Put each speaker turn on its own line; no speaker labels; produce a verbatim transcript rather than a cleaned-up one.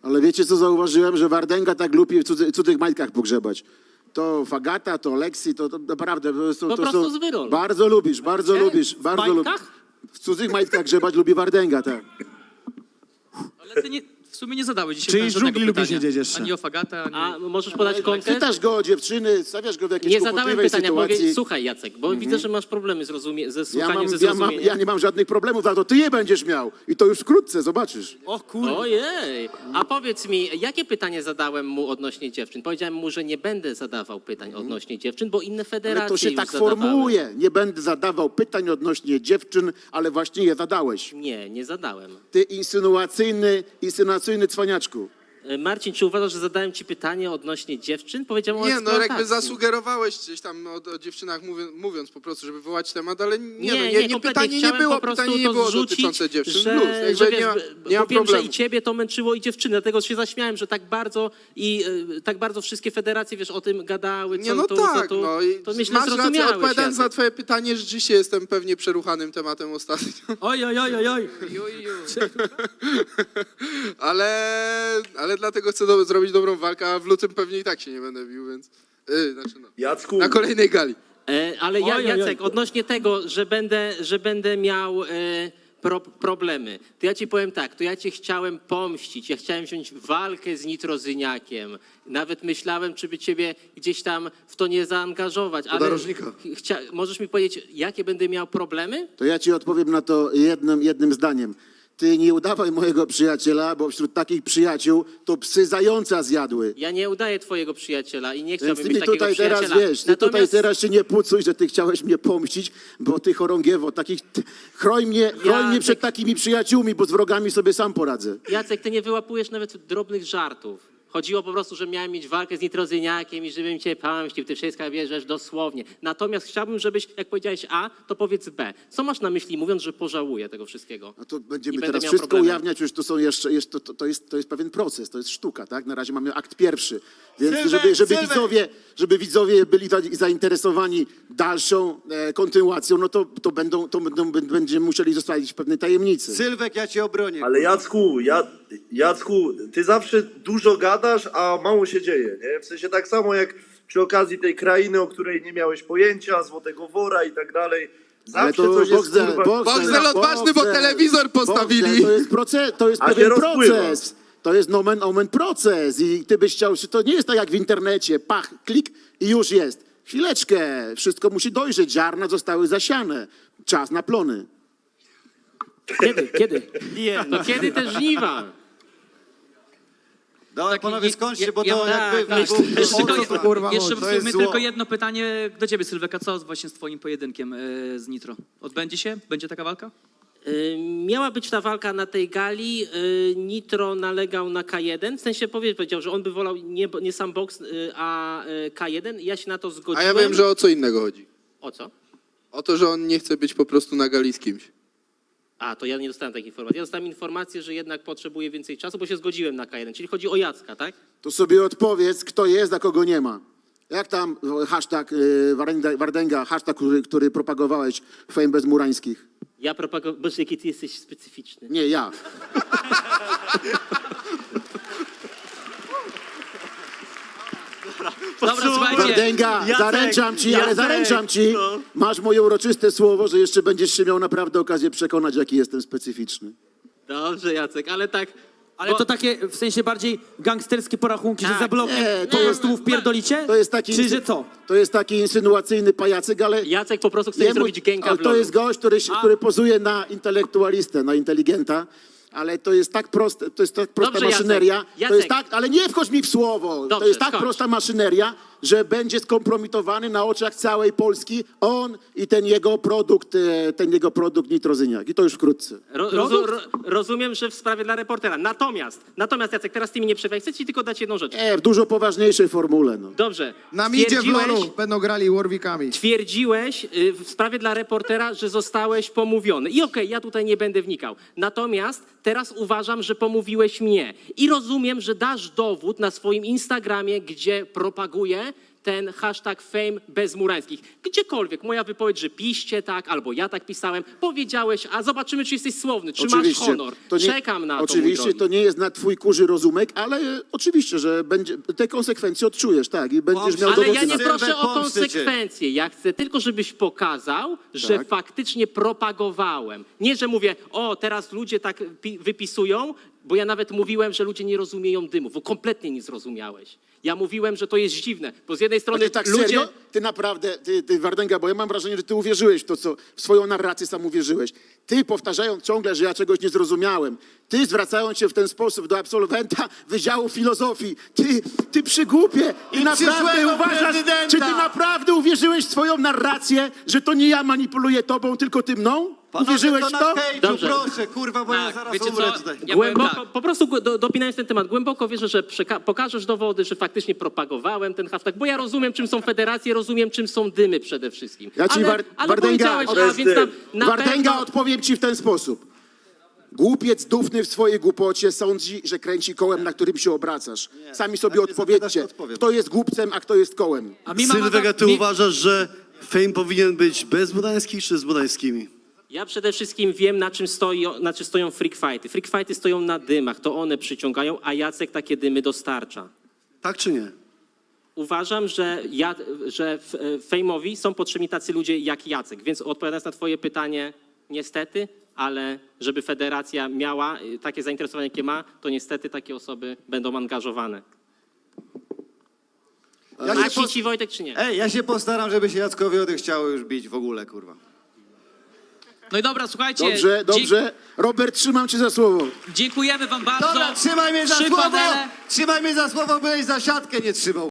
Ale wiecie, co zauważyłem? Że Wardęga tak lubi w cudzy, cudzych majtkach pogrzebać. To Fagata, to Lexi, to, to naprawdę... To, to,
Po
to
prostu
są,
z wyrol.
Bardzo lubisz, bardzo
Gdzie?
lubisz.
W
Bardzo lubisz.
majtkach?
W cudzych majtkach grzebać lubi Wardęga, tak.
Ale ty nie, w sumie nie zadałeś dzisiaj
Czyli
pan żadnego
żugli lubisz
pytania.
nie jeszcze.
Ani o Fagata, ani...
A możesz podać konkret?
Pytasz go o dziewczyny, stawiasz go w jakiejś
Nie zadałem
kłopotliwej
pytania,
sytuacji.
mówię, słuchaj Jacek, bo widzę, że masz problemy z rozumie, ze
Ja,
słuchaniem,
mam,
ze
ja, mam,
zrozumieniem.
ja nie mam żadnych problemów, ale to ty je będziesz miał. I to już wkrótce, zobaczysz.
O kurde.
Ojej, a powiedz mi, jakie pytanie zadałem mu odnośnie dziewczyn? Powiedziałem mu, że nie będę zadawał pytań odnośnie dziewczyn, bo inne federacje
Ale to się
już
tak
zadawały.
formułuje. Nie będę zadawał pytań odnośnie dziewczyn, ale właśnie je zadałeś.
Nie, nie zadałem.
Ty insynuacyjny, insynuacyjny cwaniaczku.
E, Marcin, czy uważasz, że zadałem ci pytanie odnośnie dziewczyn? Powiedziałem o
Nie, no
eksploatacji.
jakby zasugerowałeś gdzieś tam o, o dziewczynach mówiąc, mówiąc po prostu, żeby wywołać temat, ale nie,
Nie,
no,
nie,
nie, nie
kompletnie.
pytanie nie
Chciałem
było,
po prostu
pytanie nie
to
było
zrzucić,
dotyczące dziewczyn.
że,
Luz, jakby
że wiesz,
nie ma,
bo
nie ma
wiem, że
problemu.
i ciebie to męczyło i dziewczyny, dlatego się zaśmiałem, że tak bardzo i e, tak bardzo wszystkie federacje, wiesz, o tym gadały, co
Nie, no
to,
tak,
co tu,
no i
to myślę,
masz rację,
zrozumiałeś,
odpowiadając na
Jacek.
twoje pytanie, rzeczywiście jestem pewnie przeruchanym tematem ostatnio.
Oj, oj, oj, oj, oj.
ale, ale dlatego chcę do, zrobić dobrą walkę, a w lutym pewnie i tak się nie będę bił, więc... Yy, znaczy no,
Jacku,
na kolejnej gali.
E, ale ja,
Oj, oj, oj.
Jacek, odnośnie tego, że będę, że będę miał e, pro, problemy, to ja ci powiem tak, to ja cię chciałem pomścić, ja chciałem wziąć walkę z Nitrozyniakiem. Nawet myślałem, czy by ciebie gdzieś tam w to nie zaangażować, ale
narożnika.
chcia, możesz mi powiedzieć, jakie będę miał problemy?
To ja ci odpowiem na to jednym, jednym zdaniem. Ty nie udawaj mojego przyjaciela, bo wśród takich przyjaciół to psy zająca zjadły.
Ja nie udaję twojego przyjaciela i nie
Więc
chciałbym
ty
mieć
mi
takiego
tutaj teraz,
przyjaciela.
wiesz, ty tutaj
Natomiast
teraz się nie pucuj, że ty chciałeś mnie pomścić, bo ty chorągiewo, takich, ty, chroń mnie, chroń mnie przed takimi przyjaciółmi, bo z wrogami sobie sam poradzę.
Jacek, ty nie wyłapujesz nawet drobnych żartów. Chodziło po prostu, że miałem mieć walkę z Nitrozyniakiem i żebym cię pamścił, ty wszystko bierzesz dosłownie. Natomiast chciałbym, żebyś, jak powiedziałeś A, to powiedz B. Co masz na myśli, mówiąc, że pożałuję tego wszystkiego?
A to będziemy
I będę
teraz
miał
wszystko
problemy.
ujawniać, już to są jeszcze, jeszcze to, to, jest, to jest pewien proces, to jest sztuka, tak? Na razie mamy akt pierwszy. Więc
Sylwek,
żeby, żeby,
Sylwek!
widzowie, żeby widzowie byli za, zainteresowani dalszą e, kontynuacją, no to, to, będą, to będą, będziemy musieli zostawić w pewnej tajemnicy.
Sylwek, ja cię obronię.
ale Jacku, ja, Jacku, ty zawsze dużo gadasz, a mało się dzieje, nie? W sensie tak samo jak przy okazji tej krainy, o której nie miałeś pojęcia, Złotego Wora i tak dalej.
Ale
Zawsze
to
coś jest,
Boxdel,
kurwa...
Boxdel odważny, bo telewizor postawili.
Boxdel, to jest, proces, to jest
A się
pewien
rozpływa.
proces. To jest nomen omen proces i ty byś chciał, to nie jest tak jak w internecie, pach, klik i już jest. Chwileczkę, wszystko musi dojrzeć, ziarna zostały zasiane, czas na plony.
Kiedy? Kiedy?
Nie,
No kiedy te żniwa?
Dobra, panowie, skończcie, bo
ja-
to
ja-
jakby...
tak,
był-
jeszcze
o
Tylko,
co
je-
to, kurwa,
jeszcze
chodzi?
w
To jest
sumie
zło.
tylko jedno pytanie do ciebie, Sylweka. Co właśnie z twoim pojedynkiem e, z Nitro? Odbędzie się? Będzie taka walka?
Y, Miała być ta walka na tej gali. y, Nitro nalegał na K jeden. W sensie powie- powiedział, że on by wolał nie, nie sam boks, y, a y, K jeden. Ja się na to
A
zgodziłem.
ja wiem, że o co innego chodzi.
O co?
O to, że on nie chce być po prostu na gali z kimś.
A, to ja nie dostałem takiej informacji. Ja dostałem informację, że jednak potrzebuje więcej czasu, bo się zgodziłem na K jeden. Czyli chodzi o Jacka, tak?
To sobie odpowiedz, kto jest, a kogo nie ma. Jak tam e, hashtag e, Wardęga, Wardęga, hashtag, który, który propagowałeś w Fame bez Murańskich?
Ja propagowałem... Boże, jaki ty jesteś specyficzny.
Nie, ja.
Dobra, słuchajcie.
Wardęga,
Jacek,
zaręczam ci, ale
Jacek,
zaręczam ci,
no.
masz moje uroczyste słowo, że jeszcze będziesz się miał naprawdę okazję przekonać, jaki jestem specyficzny.
Dobrze, Jacek, ale tak...
Ale
bo-
to takie w sensie bardziej gangsterskie porachunki,
Tak,
że za blokiem
nie,
po
to
prostu
jest-
wpierdolicie?
To jest taki,
Czy że co?
To jest taki insynuacyjny pajacyk, ale...
Jacek po prostu chce
jemu-
zrobić gęka
ale
w
to
logu.
jest gość, który, się- który pozuje na intelektualistę, na inteligenta, ale to jest tak proste, to jest tak prosta
Dobrze, Jacek.
maszyneria, to
Jacek.
jest tak, ale nie wchodź mi w słowo, to
Dobrze,
jest tak
skończ.
prosta maszyneria, że będzie skompromitowany na oczach całej Polski on i ten jego produkt, e, ten jego produkt Nitrozyniak. I to już wkrótce.
Ro, rozu, ro, rozumiem, że w sprawie dla reportera. Natomiast, natomiast Jacek, teraz ty mi nie przerwaj. Chcę ci tylko dać jedną rzecz.
E, w dużo poważniejszej formule. No.
Dobrze.
Na midzie w
Twierdziłeś-
lolu będą grali Warwickami.
Twierdziłeś y, w sprawie dla reportera, że zostałeś pomówiony. I okej, ja tutaj nie będę wnikał. Natomiast teraz uważam, że pomówiłeś mnie. I rozumiem, że dasz dowód na swoim Instagramie, gdzie propaguję ten hashtag fame bez Murańskich. Gdziekolwiek, moja wypowiedź, że piście tak, albo ja tak pisałem, powiedziałeś, a zobaczymy, czy jesteś słowny, czy masz honor.
To nie,
Czekam na to, mój
Oczywiście
drogi.
to nie jest na twój kurzy rozumek, ale e, oczywiście, że będzie, te konsekwencje odczujesz, tak, i będziesz miał
Ale
dowody
ja
na
nie
to.
proszę o
Pomsty cię.
konsekwencje. Ja chcę tylko, żebyś pokazał, że
Tak.
faktycznie propagowałem. Nie, że mówię, o, teraz ludzie tak pi- wypisują, bo ja nawet mówiłem, że ludzie nie rozumieją dymów, bo kompletnie nie zrozumiałeś. Ja mówiłem, że to jest dziwne, bo z jednej
A
strony
ty tak
ludzie...
serio? Ty naprawdę, ty, ty Wardęga, bo ja mam wrażenie, że ty uwierzyłeś w to, co w swoją narrację sam uwierzyłeś. Ty powtarzając ciągle, że ja czegoś nie zrozumiałem. Ty zwracając się w ten sposób do absolwenta Wydziału Filozofii. Ty, ty przygłupie. I, naprawdę
przyszłego
uważasz,
prezydenta.
czy ty naprawdę uwierzyłeś w swoją narrację, że to nie ja manipuluję tobą, tylko ty mną?
Panowie,
Uwierzyłeś
to
w
na
to?
hejtu,
Dobrze.
proszę, kurwa, bo ja
Tak,
zaraz
wiecie
umrę
co?
tutaj.
Ja powiem
Głęboko,
tak.
po prostu gu- do, dopinając ten temat, głęboko wierzę, że przeka- pokażesz dowody, że faktycznie propagowałem ten hashtag, bo ja rozumiem, czym są federacje, rozumiem, czym są dymy przede wszystkim.
Ja ci
ale,
War-
ale
Wardęga,
powiedziałeś, a
Wardęga,
więc tam na
Wardęga,
pewno...
odpowiem ci w ten sposób. Głupiec dufny w swojej głupocie sądzi, że kręci kołem, na którym się obracasz. Sami sobie
jak mnie zapytasz,
odpowiedzcie,
to odpowiem.
kto jest głupcem, a kto jest kołem.
A mi mama
Sylwega,
tak-
ty
mi-
uważasz, że fame powinien być bez Budańskich czy z Budańskimi?
Ja przede wszystkim wiem, na czym, stoi, na czym stoją freak fighty. Freak fighty stoją na dymach, to one przyciągają, a Jacek takie dymy dostarcza.
Tak czy nie?
Uważam, że, ja, że f- fejmowi są potrzebni tacy ludzie jak Jacek, więc odpowiadając na twoje pytanie, niestety, ale żeby federacja miała y, takie zainteresowanie, jakie ma, to niestety takie osoby będą angażowane.
Ja
A
się
ci
pos-
ci Wojtek czy nie?
Ej, ja się postaram, żeby się Jackowi odechciało już bić w ogóle, kurwa.
No i dobra, słuchajcie.
Dobrze,
dzie-
dobrze. Robert, trzymam cię za słowo.
Dziękujemy wam bardzo.
Dobra, trzymaj mnie za
Trzy
słowo!
panele.
Trzymaj mnie za słowo, byłeś za siatkę nie trzymał.